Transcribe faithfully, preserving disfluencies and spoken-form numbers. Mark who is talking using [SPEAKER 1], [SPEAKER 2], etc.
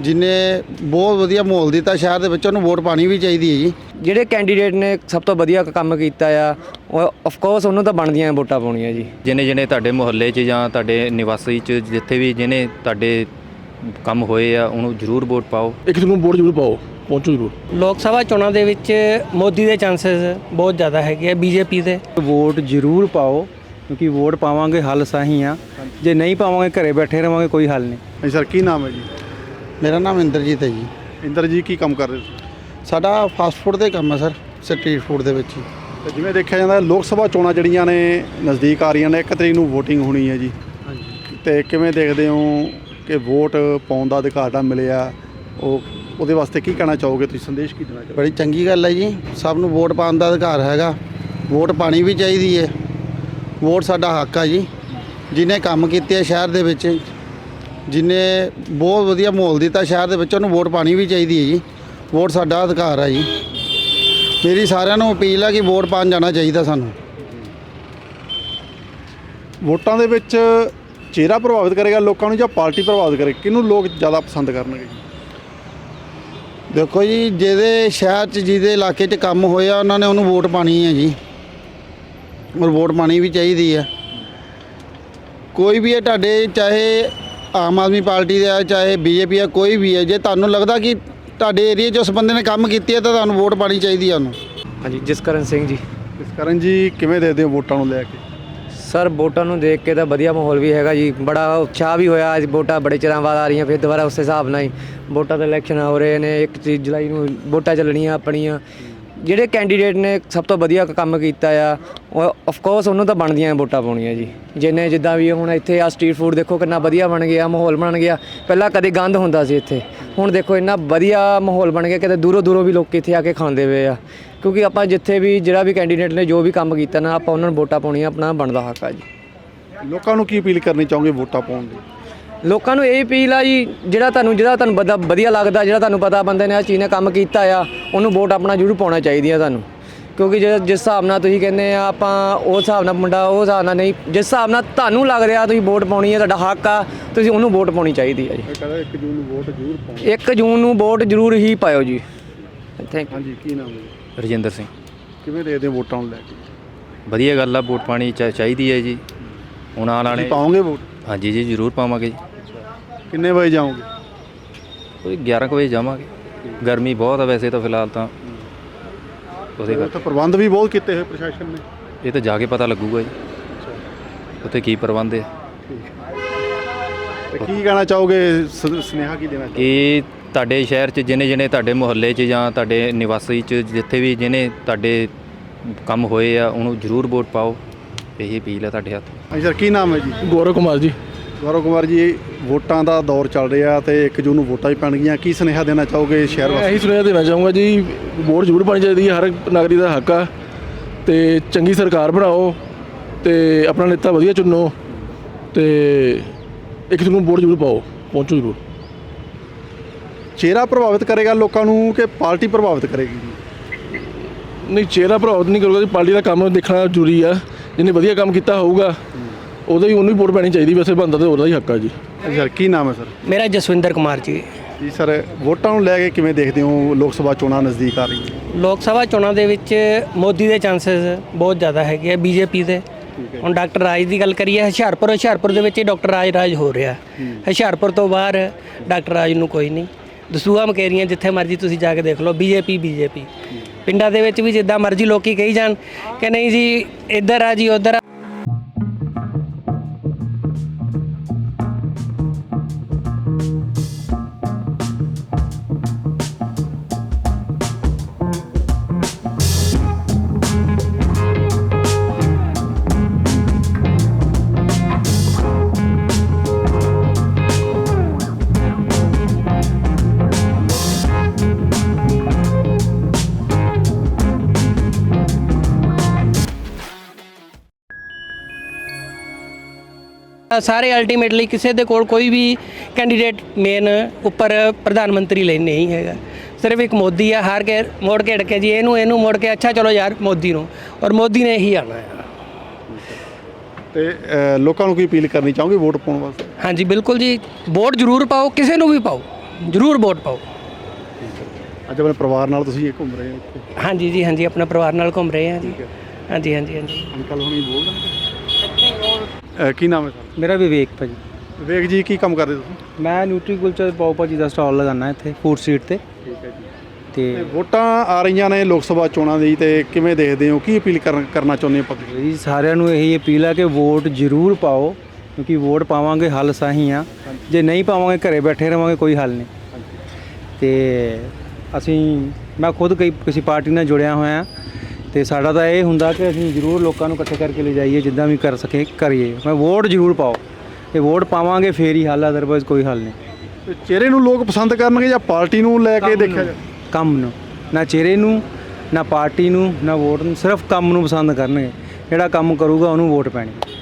[SPEAKER 1] ਜਿਨੇ ਬਹੁਤ ਵਧੀਆ ਮਾਹੌਲ ਦਿੱਤਾ ਸ਼ਹਿਰ ਦੇ ਵਿੱਚ, ਉਹਨੂੰ ਵੋਟ ਪਾਣੀ ਵੀ ਚਾਹੀਦੀ ਹੈ ਜੀ।
[SPEAKER 2] ਜਿਹੜੇ ਕੈਂਡੀਡੇਟ ਨੇ ਸਭ ਤੋਂ ਵਧੀਆ ਕੰਮ ਕੀਤਾ ਆ ਉਹ ਆਫ ਕੋਰਸ ਉਹਨੂੰ ਤਾਂ ਬਣਦੀਆਂ ਵੋਟਾਂ ਪਾਉਣੀਆਂ ਜੀ।
[SPEAKER 3] ਜਿਹਨੇ ਜਿਹਨੇ ਤੁਹਾਡੇ ਮੁਹੱਲੇ 'ਚ ਜਾਂ ਤੁਹਾਡੇ ਨਿਵਾਸੀ 'ਚ ਜਿੱਥੇ ਵੀ ਜਿਹਨੇ ਤੁਹਾਡੇ ਕੰਮ ਹੋਏ ਆ ਉਹਨੂੰ ਜ਼ਰੂਰ ਵੋਟ ਪਾਓ।
[SPEAKER 4] ਇੱਕ ਨੂੰ ਵੋਟ ਜ਼ਰੂਰ ਪਾਓ, ਪਹੁੰਚੋ ਜ਼ਰੂਰ।
[SPEAKER 5] ਲੋਕ ਸਭਾ ਚੋਣਾਂ ਦੇ ਵਿੱਚ ਮੋਦੀ ਦੇ ਚਾਂਸਸ ਬਹੁਤ ਜ਼ਿਆਦਾ ਹੈਗੇ ਆ ਬੀਜੇਪੀ ਦੇ।
[SPEAKER 6] ਵੋਟ ਜ਼ਰੂਰ ਪਾਓ ਕਿਉਂਕਿ ਵੋਟ ਪਾਵਾਂਗੇ ਹੱਲ ਸਹੀ ਆ, ਜੇ ਨਹੀਂ ਪਾਵਾਂਗੇ ਘਰੇ ਬੈਠੇ ਰਹਾਂਗੇ ਕੋਈ ਹੱਲ ਨਹੀਂ।
[SPEAKER 4] ਹਾਂਜੀ ਸਰ, ਕੀ ਨਾਮ ਹੈ ਜੀ?
[SPEAKER 1] ਮੇਰਾ ਨਾਮ ਇੰਦਰਜੀਤ ਹੈ ਜੀ।
[SPEAKER 4] ਇੰਦਰ ਜੀ, ਕੀ ਕੰਮ ਕਰਦੇ ਤੁਸੀਂ?
[SPEAKER 1] ਸਾਡਾ ਫਾਸਟ ਫੂਡ ਦਾ ਕੰਮ ਹੈ ਸਰ, ਸਟਰੀਟ ਫੂਡ ਦੇ ਵਿੱਚ ਹੀ।
[SPEAKER 4] ਤੇ ਜਿਵੇਂ ਦੇਖਿਆ ਜਾਂਦਾ ਲੋਕ ਸਭਾ ਚੋਣਾਂ ਜਿਹੜੀਆਂ ਨੇ ਨਜ਼ਦੀਕ ਆ ਰਹੀਆਂ ਨੇ, ਇੱਕ ਤਰੀਕ ਨੂੰ VOTING ਹੋਣੀ ਹੈ ਜੀ। ਹਾਂਜੀ। ਤੇ ਕਿਵੇਂ ਦੇਖਦੇ ਹੋ ਕਿ ਵੋਟ ਪਾਉਣ ਦਾ ਅਧਿਕਾਰ ਦਾ ਮਿਲਿਆ, ਉਹ ਉਹਦੇ ਵਾਸਤੇ ਕੀ ਕਹਿਣਾ ਚਾਹੋਗੇ ਤੁਸੀਂ, ਸੰਦੇਸ਼ ਕੀ ਦੇਣਾ ਚਾਹੋਗੇ?
[SPEAKER 1] ਬੜੀ ਚੰਗੀ ਗੱਲ ਹੈ ਜੀ, ਸਭ ਨੂੰ ਵੋਟ ਪਾਉਣ ਦਾ ਅਧਿਕਾਰ ਹੈਗਾ, ਵੋਟ ਪਾਣੀ ਵੀ ਚਾਹੀਦੀ ਹੈ। ਵੋਟ ਸਾਡਾ ਹੱਕ ਆ ਜੀ। ਜਿਹਨੇ ਕੰਮ ਕੀਤੇ ਆ ਸ਼ਹਿਰ ਦੇ ਵਿੱਚ, ਜਿਹਨੇ ਬਹੁਤ ਵਧੀਆ ਮਾਹੌਲ ਦਿੱਤਾ ਸ਼ਹਿਰ ਦੇ ਵਿੱਚ, ਉਹਨੂੰ ਵੋਟ ਪਾਣੀ ਵੀ ਚਾਹੀਦੀ ਹੈ ਜੀ। ਵੋਟ ਸਾਡਾ ਅਧਿਕਾਰ ਆ ਜੀ। ਮੇਰੀ ਸਾਰਿਆਂ ਨੂੰ ਅਪੀਲ ਆ ਕਿ ਵੋਟ ਪਾਉਣ ਜਾਣਾ ਚਾਹੀਦਾ ਸਾਨੂੰ।
[SPEAKER 4] ਵੋਟਾਂ ਦੇ ਵਿੱਚ ਚਿਹਰਾ ਪ੍ਰਭਾਵਿਤ ਕਰੇਗਾ ਲੋਕਾਂ ਨੂੰ ਜਾਂ ਪਾਰਟੀ ਪ੍ਰਭਾਵਿਤ ਕਰੇਗੀ? ਕਿਹਨੂੰ ਲੋਕ ਜ਼ਿਆਦਾ ਪਸੰਦ ਕਰਨਗੇ ਜੀ?
[SPEAKER 1] ਦੇਖੋ ਜੀ, ਜਿਹਦੇ ਸ਼ਹਿਰ 'ਚ ਜਿਹਦੇ ਇਲਾਕੇ 'ਚ ਕੰਮ ਹੋਇਆ ਉਹਨਾਂ ਨੇ ਉਹਨੂੰ ਵੋਟ ਪਾਣੀ ਹੈ ਜੀ, ਔਰ ਵੋਟ ਪਾਣੀ ਵੀ ਚਾਹੀਦੀ ਹੈ। ਕੋਈ ਵੀ ਹੈ ਤੁਹਾਡੇ, ਚਾਹੇ ਆਮ ਆਦਮੀ ਪਾਰਟੀ ਦਾ ਚਾਹੇ ਬੀਜੇਪੀ ਆ, ਕੋਈ ਵੀ ਹੈ, ਜੇ ਤੁਹਾਨੂੰ ਲੱਗਦਾ ਕਿ ਤੁਹਾਡੇ ਏਰੀਏ 'ਚ ਉਸ ਬੰਦੇ ਨੇ ਕੰਮ ਕੀਤੇ ਹੈ ਤਾਂ ਤੁਹਾਨੂੰ ਵੋਟ ਪਾਣੀ ਚਾਹੀਦੀ ਹੈ ਉਹਨੂੰ।
[SPEAKER 2] ਹਾਂਜੀ, ਜਸਕਰਨ ਸਿੰਘ ਜੀ।
[SPEAKER 4] ਜਸਕਰਨ ਜੀ, ਕਿਵੇਂ ਦੇਖਦੇ ਹੋ ਵੋਟਾਂ ਨੂੰ ਲੈ ਕੇ?
[SPEAKER 2] ਸਰ ਵੋਟਾਂ ਨੂੰ ਦੇਖ ਕੇ ਤਾਂ ਵਧੀਆ ਮਾਹੌਲ ਵੀ ਹੈਗਾ ਜੀ, ਬੜਾ ਉਤਸ਼ਾਹ ਵੀ ਹੋਇਆ। ਅੱਜ ਵੋਟਾਂ ਬੜੇ ਚਿਰਾਂ ਬਾਅਦ ਆ ਰਹੀਆਂ, ਫਿਰ ਦੁਬਾਰਾ ਉਸ ਹਿਸਾਬ ਨਾਲ ਹੀ ਵੋਟਾਂ ਦੇ ਇਲੈਕਸ਼ਨ ਹੋ ਰਹੇ ਨੇ। ਇੱਕ ਜੁਲਾਈ ਨੂੰ ਵੋਟਾਂ ਚੱਲਣੀਆਂ ਆਪਣੀਆਂ। ਜਿਹੜੇ ਕੈਂਡੀਡੇਟ ਨੇ ਸਭ ਤੋਂ ਵਧੀਆ ਕੰਮ ਕੀਤਾ ਆ ਉਹ ਆਫ ਕੋਰਸ ਉਹਨੂੰ ਤਾਂ ਬਣਦੀਆਂ ਵੋਟਾਂ ਪਾਉਣੀਆਂ ਜੀ। ਜਿਹਨੇ ਜਿੱਦਾਂ ਵੀ ਹੁਣ ਇੱਥੇ ਆ ਸਟਰੀਟ ਫੂਡ ਦੇਖੋ ਕਿੰਨਾ ਵਧੀਆ ਬਣ ਗਿਆ, ਮਾਹੌਲ ਬਣ ਗਿਆ। ਪਹਿਲਾਂ ਕਦੇ ਗੰਦ ਹੁੰਦਾ ਸੀ ਇੱਥੇ, ਹੁਣ ਦੇਖੋ ਇੰਨਾ ਵਧੀਆ ਮਾਹੌਲ ਬਣ ਗਿਆ, ਕਿਤੇ ਦੂਰੋਂ ਦੂਰੋਂ ਵੀ ਲੋਕ ਇੱਥੇ ਆ ਕੇ ਖਾਂਦੇ ਪਏ ਆ। ਕਿਉਂਕਿ ਆਪਾਂ ਜਿੱਥੇ ਵੀ ਜਿਹੜਾ ਵੀ ਕੈਂਡੀਡੇਟ ਨੇ ਜੋ ਵੀ ਕੰਮ ਕੀਤਾ ਨਾ, ਆਪਾਂ ਉਹਨਾਂ ਨੂੰ ਵੋਟਾਂ ਪਾਉਣੀਆਂ, ਆਪਣਾ ਬਣਦਾ ਹੱਕ ਆ ਜੀ।
[SPEAKER 4] ਲੋਕਾਂ ਨੂੰ ਕੀ ਅਪੀਲ ਕਰਨੀ ਚਾਹੋਗੇ ਵੋਟਾਂ ਪਾਉਣ ਦੀ?
[SPEAKER 2] ਲੋਕਾਂ ਨੂੰ ਇਹ ਅਪੀਲ ਆ ਜੀ, ਜਿਹੜਾ ਤੁਹਾਨੂੰ ਜਿਹੜਾ ਤੁਹਾਨੂੰ ਬਦਾ ਵਧੀਆ ਲੱਗਦਾ, ਜਿਹੜਾ ਤੁਹਾਨੂੰ ਪਤਾ ਬੰਦੇ ਨੇ ਆ ਚੀਜ਼ ਨੇ ਕੰਮ ਕੀਤਾ ਆ, ਉਹਨੂੰ ਵੋਟ ਆਪਣਾ ਜ਼ਰੂਰ ਪਾਉਣਾ ਚਾਹੀਦੀ ਆ ਤੁਹਾਨੂੰ। ਕਿਉਂਕਿ ਜੇ ਜਿਸ ਹਿਸਾਬ ਨਾਲ ਤੁਸੀਂ ਕਹਿੰਦੇ ਆ ਆਪਾਂ ਉਸ ਹਿਸਾਬ ਨਾਲ ਮੁੰਡਾ ਉਸ ਹਿਸਾਬ ਨਾਲ ਨਹੀਂ, ਜਿਸ ਹਿਸਾਬ ਨਾਲ ਤੁਹਾਨੂੰ ਲੱਗ ਰਿਹਾ ਤੁਸੀਂ ਵੋਟ ਪਾਉਣੀ ਹੈ, ਤੁਹਾਡਾ ਹੱਕ ਆ, ਤੁਸੀਂ ਉਹਨੂੰ ਵੋਟ ਪਾਉਣੀ ਚਾਹੀਦੀ ਆ ਜੀ।
[SPEAKER 4] ਇੱਕ ਜੂਨ ਨੂੰ ਵੋਟ ਜ਼ਰੂਰ ਪਾਓ।
[SPEAKER 2] ਇੱਕ ਜੂਨ ਨੂੰ ਵੋਟ ਜ਼ਰੂਰ ਹੀ ਪਾਇਓ ਜੀ। Thank you.
[SPEAKER 4] ਹਾਂਜੀ, ਕੀ ਨਾਮ ਹੈ?
[SPEAKER 3] ਰਜਿੰਦਰ ਸਿੰਘ।
[SPEAKER 4] ਕਿਵੇਂ ਦੇਖਦੇ ਹੋ ਵੋਟਾਂ ਨੂੰ ਲੈ ਕੇ?
[SPEAKER 3] ਵਧੀਆ ਗੱਲ ਆ, ਵੋਟ ਪਾਣੀ ਚਾ ਚਾਹੀਦੀ ਹੈ ਜੀ। ਹੁਣ ਆਉਣ ਵਾਲੇ
[SPEAKER 4] ਪਾਓਗੇ ਵੋਟ?
[SPEAKER 3] ਹਾਂਜੀ ਜੀ, ਜ਼ਰੂਰ ਪਾਵਾਂਗੇ ਜੀ।
[SPEAKER 4] ਕਿੰਨੇ ਵਜੇ ਜਾਓਗੇ?
[SPEAKER 3] ਕੋਈ ਗਿਆਰਾਂ ਕੁ ਵਜੇ ਜਾਵਾਂਗੇ। ਗਰਮੀ ਬਹੁਤ ਆ ਵੈਸੇ ਤਾਂ ਫਿਲਹਾਲ ਤਾਂ, ਉਹਦੇ
[SPEAKER 4] ਉੱਥੇ ਪ੍ਰਬੰਧ ਵੀ ਬਹੁਤ ਕੀਤੇ ਹੋਏ ਪ੍ਰਸ਼ਾਸਨ ਨੇ।
[SPEAKER 3] ਇਹ ਤਾਂ ਜਾ ਕੇ ਪਤਾ ਲੱਗੂਗਾ ਜੀ ਉੱਥੇ ਕੀ ਪ੍ਰਬੰਧ ਹੈ।
[SPEAKER 4] ਤੇ ਕੀ ਕਹਿਣਾ ਚਾਹੋਗੇ, ਸ- ਸੁਨੇਹਾ ਕੀ ਦੇਣਾ ਚਾਹੋਗੇ?
[SPEAKER 3] ਕਿ ਤੁਹਾਡੇ ਸ਼ਹਿਰ 'ਚ ਜਿਹਨੇ ਜਿਹਨੇ ਤੁਹਾਡੇ ਮੁਹੱਲੇ 'ਚ ਜਾਂ ਤੁਹਾਡੇ ਨਿਵਾਸੀ 'ਚ ਜਿੱਥੇ ਵੀ ਜਿਹਨੇ ਤੁਹਾਡੇ ਕੰਮ ਹੋਏ ਆ ਉਹਨੂੰ ਜ਼ਰੂਰ ਵੋਟ ਪਾਓ। ਇਹੀ ਅਪੀਲ ਹੈ ਤੁਹਾਡੇ ਹੱਥ।
[SPEAKER 4] ਹਾਂਜੀ ਸਰ, ਕੀ ਨਾਮ ਹੈ ਜੀ?
[SPEAKER 6] ਗੌਰਵ ਕੁਮਾਰ ਜੀ।
[SPEAKER 4] ਗੌਰਵ ਕੁਮਾਰ ਜੀ, ਵੋਟਾਂ ਦਾ ਦੌਰ ਚੱਲ ਰਿਹਾ ਤੇ ਇੱਕ ਜੂਨ ਨੂੰ ਵੋਟਾਂ ਵੀ ਪੈਣਗੀਆਂ, ਕੀ ਸੁਨੇਹਾ ਦੇਣਾ ਚਾਹੋਗੇ ਸ਼ਹਿਰ
[SPEAKER 6] ਮੈਂ
[SPEAKER 4] ਵਾਸੀਆਂ
[SPEAKER 6] ਇਹੀ ਸੁਨੇਹਾ ਦੇਣਾ ਚਾਹੂੰਗਾ ਜੀ, ਵੋਟ ਜ਼ਰੂਰ ਪਾਣੀ ਚਾਹੀਦੀ ਹੈ, ਹਰ ਇੱਕ ਨਾਗਰਿਕ ਦਾ ਹੱਕ ਆ। ਤੇ ਚੰਗੀ ਸਰਕਾਰ ਬਣਾਓ ਤੇ ਆਪਣਾ ਨੇਤਾ ਵਧੀਆ ਚੁਣੋ ਤੇ ਇੱਕ ਨੂੰ ਵੋਟ ਜ਼ਰੂਰ ਪਾਓ, ਪਹੁੰਚੋ ਜ਼ਰੂਰ।
[SPEAKER 4] ਚਿਹਰਾ ਪ੍ਰਭਾਵਿਤ ਕਰੇਗਾ ਲੋਕਾਂ ਨੂੰ ਕਿ ਪਾਰਟੀ ਪ੍ਰਭਾਵਿਤ ਕਰੇਗੀ ਜੀ?
[SPEAKER 6] ਨਹੀਂ, ਚਿਹਰਾ ਪ੍ਰਭਾਵਿਤ ਨਹੀਂ ਕਰੂਗਾ ਜੀ, ਪਾਰਟੀ ਦਾ ਕੰਮ ਦੇਖਣਾ ਜ਼ਰੂਰੀ ਆ। ਜਿਹਨੇ ਵਧੀਆ ਕੰਮ ਕੀਤਾ ਹੋਊਗਾ ਉਹਦਾ ਹੀ ਉਹਨੂੰ ਹੀ ਵੋਟ ਪੈਣੀ ਚਾਹੀਦੀ, ਵੈਸੇ ਬੰਦਾ ਤਾਂ ਉਹਦਾ ਹੀ ਹੱਕ ਆ ਜੀ।
[SPEAKER 4] ਸਰ, ਕੀ ਨਾਮ ਹੈ ਸਰ?
[SPEAKER 5] ਮੇਰਾ ਜਸਵਿੰਦਰ ਕੁਮਾਰ ਜੀ।
[SPEAKER 4] ਜੀ ਸਰ, ਵੋਟਾਂ ਨੂੰ ਲੈ ਕੇ ਕਿਵੇਂ ਦੇਖਦੇ ਹੋ? ਲੋਕ ਸਭਾ ਚੋਣਾਂ ਨਜ਼ਦੀਕ ਆ ਰਹੀਆਂ।
[SPEAKER 5] ਲੋਕ ਸਭਾ ਚੋਣਾਂ ਦੇ ਵਿੱਚ ਮੋਦੀ ਦੇ ਚਾਂਸਸ ਬਹੁਤ ਜ਼ਿਆਦਾ ਹੈਗੇ ਆ ਬੀਜੇਪੀ ਦੇ। ਹੁਣ ਡਾਕਟਰ ਰਾਜ ਦੀ ਗੱਲ ਕਰੀਏ, ਹੁਸ਼ਿਆਰਪੁਰ ਹੁਸ਼ਿਆਰਪੁਰ ਦੇ ਵਿੱਚ ਹੀ ਡਾਕਟਰ ਰਾਜ ਰਾਜ ਹੋ ਰਿਹਾ। ਹੁਸ਼ਿਆਰਪੁਰ ਤੋਂ ਬਾਹਰ ਡਾਕਟਰ ਰਾਜ ਨੂੰ ਕੋਈ ਨਹੀਂ। ਦਸੂਹਾ ਮਕੇਰੀਆਂ ਜਿੱਥੇ ਮਰਜ਼ੀ ਤੁਸੀਂ ਜਾ ਕੇ ਦੇਖ ਲਓ, ਬੀਜੇਪੀ ਬੀਜੇਪੀ। ਪਿੰਡਾਂ ਦੇ ਵਿੱਚ ਵੀ ਜਿੱਦਾਂ ਮਰਜ਼ੀ ਲੋਕੀ ਕਹੀ ਜਾਣ ਕਿ ਨਹੀਂ ਜੀ ਇੱਧਰ ਆ ਜੀ ਉੱਧਰ ਆ। ਸਾਰੇ ਅਲਟੀਮੇਟਲੀ ਕਿਸੇ ਦੇ ਕੋਲ ਕੋਈ ਵੀ ਕੈਂਡੀਡੇਟ ਮੇਨ ਉੱਪਰ ਪ੍ਰਧਾਨ ਮੰਤਰੀ ਲਈ ਨਹੀਂ ਹੈਗਾ। ਸਿਰਫ ਇੱਕ ਮੋਦੀ ਆ, ਹਾਰ ਕੇ ਮੋੜ ਕੇ ਢਕੇ ਜੀ ਇਹਨੂੰ ਇਹਨੂੰ ਮੋੜ ਕੇ ਅੱਛਾ ਚਲੋ ਯਾਰ ਮੋਦੀ ਨੂੰ, ਔਰ ਮੋਦੀ ਨੇ ਹੀ ਆਉਣਾ ਹੈ।
[SPEAKER 4] ਤੇ ਲੋਕਾਂ ਨੂੰ ਕੀ ਅਪੀਲ ਕਰਨੀ ਚਾਹੋਗੇ ਵੋਟ ਪਾਉਣ ਵਾਸਤੇ?
[SPEAKER 5] ਹਾਂਜੀ ਬਿਲਕੁਲ ਜੀ, ਵੋਟ ਜ਼ਰੂਰ ਪਾਓ, ਕਿਸੇ ਨੂੰ ਵੀ ਪਾਓ, ਜ਼ਰੂਰ ਵੋਟ ਪਾਓ।
[SPEAKER 4] ਅੱਜ ਆਪਣੇ ਪਰਿਵਾਰ ਨਾਲ ਤੁਸੀਂ ਇਹ ਘੁੰਮ ਰਹੇ ਹੋ ਇੱਥੇ?
[SPEAKER 5] ਹਾਂਜੀ ਜੀ ਹਾਂਜੀ, ਆਪਣਾ ਪਰਿਵਾਰ ਨਾਲ ਘੁੰਮ ਰਹੇ ਹਾਂ ਜੀ। ਹਾਂਜੀ ਹਾਂਜੀ ਹਾਂਜੀ।
[SPEAKER 4] ਅੰਕਲ ਹੁਣੀ ਬੋਲ ਦੇਣਗੇ। ਕੀ ਨਾਮ ਹੈ ਸਰ?
[SPEAKER 7] ਮੇਰਾ ਵਿਵੇਕ ਭਾਜੀ।
[SPEAKER 4] ਵਿਵੇਕ ਜੀ, ਕੀ ਕੰਮ ਕਰਦੇ ਤੁਸੀਂ?
[SPEAKER 7] ਮੈਂ ਨਿਊਟਰੀ ਕੁਲਚਾ ਪਾਓ ਭਾਜੀ ਦਾ ਸਟਾਲ ਲਗਾਉਣਾ ਇੱਥੇ ਫੂਡ ਸਟਰੀਟ ਤੇ।
[SPEAKER 4] ਠੀਕ ਹੈ ਜੀ।
[SPEAKER 7] ਤੇ
[SPEAKER 4] ਤੇ ਵੋਟਾਂ ਆ ਰਹੀਆਂ ਨੇ ਲੋਕ ਸਭਾ ਚੋਣਾਂ ਦੀ, ਤੇ ਕਿਵੇਂ ਦੇਖਦੇ ਹੋ, ਕੀ ਅਪੀਲ ਕਰਨ ਕਰਨਾ ਚਾਹੁੰਦੇ ਹੋ ਪਬਲਿਕ?
[SPEAKER 7] ਜੀ ਸਾਰਿਆਂ ਨੂੰ ਇਹੀ ਅਪੀਲ ਹੈ ਕਿ ਵੋਟ ਜ਼ਰੂਰ ਪਾਓ, ਕਿਉਂਕਿ ਵੋਟ ਪਾਵਾਂਗੇ ਹੱਲ ਸਾਹੀ ਆ। ਜੇ ਨਹੀਂ ਪਾਵਾਂਗੇ ਘਰੇ ਬੈਠੇ ਰਹਾਂਗੇ ਕੋਈ ਹੱਲ ਨਹੀਂ। ਤੇ ਅਸੀਂ ਮੈਂ ਖੁਦ ਕਈ ਕਿਸੇ ਪਾਰਟੀ ਨਾਲ ਜੁੜਿਆ ਹੋਇਆ, ਤੇ ਸਾਡਾ ਤਾਂ ਇਹ ਹੁੰਦਾ ਕਿ ਅਸੀਂ ਜ਼ਰੂਰ ਲੋਕਾਂ ਨੂੰ ਇਕੱਠੇ ਕਰਕੇ ਲੈ ਜਾਈਏ, ਜਿੱਦਾਂ ਵੀ ਕਰ ਸਕੇ ਕਰੀਏ। ਮੈਂ ਵੋਟ ਜ਼ਰੂਰ ਪਾਓ, ਤੇ ਵੋਟ ਪਾਵਾਂਗੇ ਫੇਰ ਹੀ ਹੱਲ, ਅਦਰਵਾਈਜ਼ ਕੋਈ ਹੱਲ ਨਹੀਂ।
[SPEAKER 4] ਤੇ ਚਿਹਰੇ ਨੂੰ ਲੋਕ ਪਸੰਦ ਕਰਨਗੇ ਜਾਂ ਪਾਰਟੀ ਨੂੰ ਲੈ ਕੇ ਦੇਖਿਆ ਜਾਵੇ?
[SPEAKER 7] ਕੰਮ ਨੂੰ, ਨਾ ਚਿਹਰੇ ਨੂੰ, ਨਾ ਪਾਰਟੀ ਨੂੰ, ਨਾ ਵੋਟ ਨੂੰ, ਸਿਰਫ ਕੰਮ ਨੂੰ ਪਸੰਦ ਕਰਨਗੇ। ਜਿਹੜਾ ਕੰਮ ਕਰੂਗਾ ਉਹਨੂੰ ਵੋਟ ਪੈਣੀ।